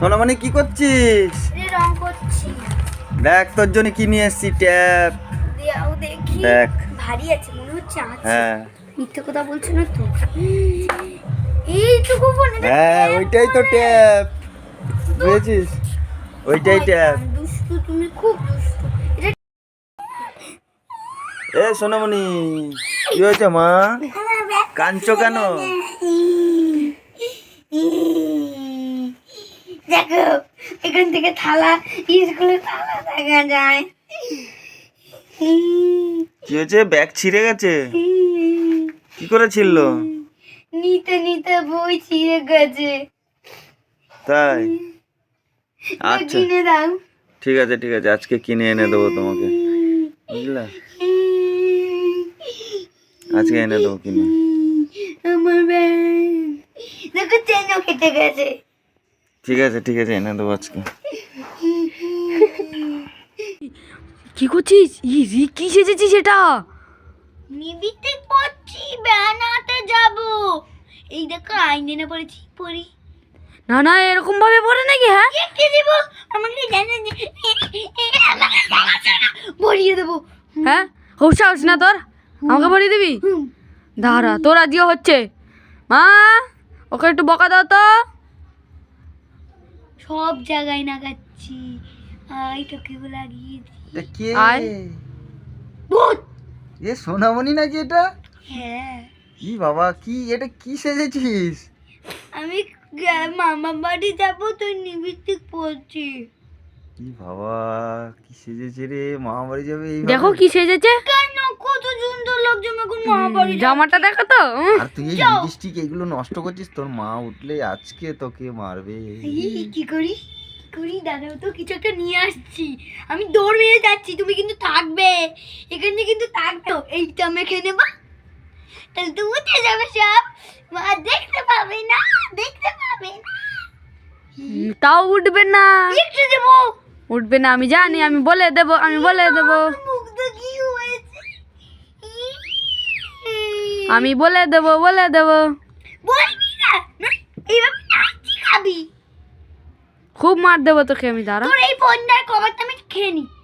সোনামণি কি করছিস? রং করছি। দেখ তোর জন্য কি নিয়ে এসেছি, ট্যাপ। দেখি দেখ ভারী আছে মনে হচ্ছে। হ্যাঁ মিথ্যে কথা বলছো না তো? এইটুকু ফোনে হ্যাঁ ওইটাই তো ট্যাপ, বুঝেছিস? ওইটাই ট্যাপ। দুষ্টু, তুমি খুব দুষ্টু। এ সোনামণি কি হয়েছে মা? কাঁদছো কেন? দেখো এখান থেকে থালা, স্কুলের থালা দেখা যায়। কি হয়েছে? ব্যাগ ছিঁড়ে গেছে? কি করে ছিল? নিতে নিতে বই ছিঁড়ে গেছে। তাই? আচ্ছা কিনে দাও। ঠিক আছে ঠিক আছে, আজকে কিনে এনে দেবো তোমাকে, বুঝলা? আজকে এনে দেবো কিনে। আমার ব্যাগ দেখো চেনও কেটে গেছে। ঠিক আছে ঠিক আছে, এনে দেবো আজকে। কি করছিস? কি সেজেছিস এটা? নিবিতে পড়ছি, বেড়াতে যাব। এই দেখো আইনে না পড়েছি, পড়ি। না না, এরকম ভাবে পড়ে নাকি? হ্যাঁ, দেখতে দিব আমাকে জানেন ভরিয়ে দেবো। হ্যাঁ, খুব সাহস না তোর, আমাকে পড়িয়ে দিবি? দাঁড়া, তোর আজকে হচ্ছে। মা, ওকে একটু বকা দাও তো। সব জায়গায় নাগাচ্ছি। আই তোকে লাগিয়েছি। এটা কে? আয়। ভূত। এ সোনামণি নাকি এটা? হ্যাঁ, কি বাবা, কি এটা কি সেজেছিস? আমি মামা বাড়ি যাবো, তুই নিবিতে পড়ছি। কি বাবা, কি সেজেছে রে? মামা বাড়ি যাবে এই? দেখো কি সেজেছে। কেন কত সুন্দর লাগছে এখন মামা বাড়ি যাবো। জামাটা দেখো তো। আর তুই এই লিপস্টিক এগুলো নষ্ট করছিস, তোর মা উঠলে আজকে তোকে মারবে। কি করি দাঁড়াও তো, কিছু একটা নিয়ে আসছি। আমি দৌড় মেরে যাচ্ছি, তুমি কিন্তু থাকবে এখানে, কিন্তু থাকবে। এইটা মেখে নেবা, তাহলে তো উঠে যাবে সব। মা দেখতে পাবে না। তাও উঠবে না, একটু দেবো। উঠবে না, আমি জানি, আমি বলে দেবো। মুখটা কি হয়েছে? আমি বলে দেবো। বলবি না, এইভাবে নাচি খাবি। খুব মার দেবো তোকে আমি, দাঁড়া। তোর এই ফোনটার কভারটা আমি খেয়ে নি।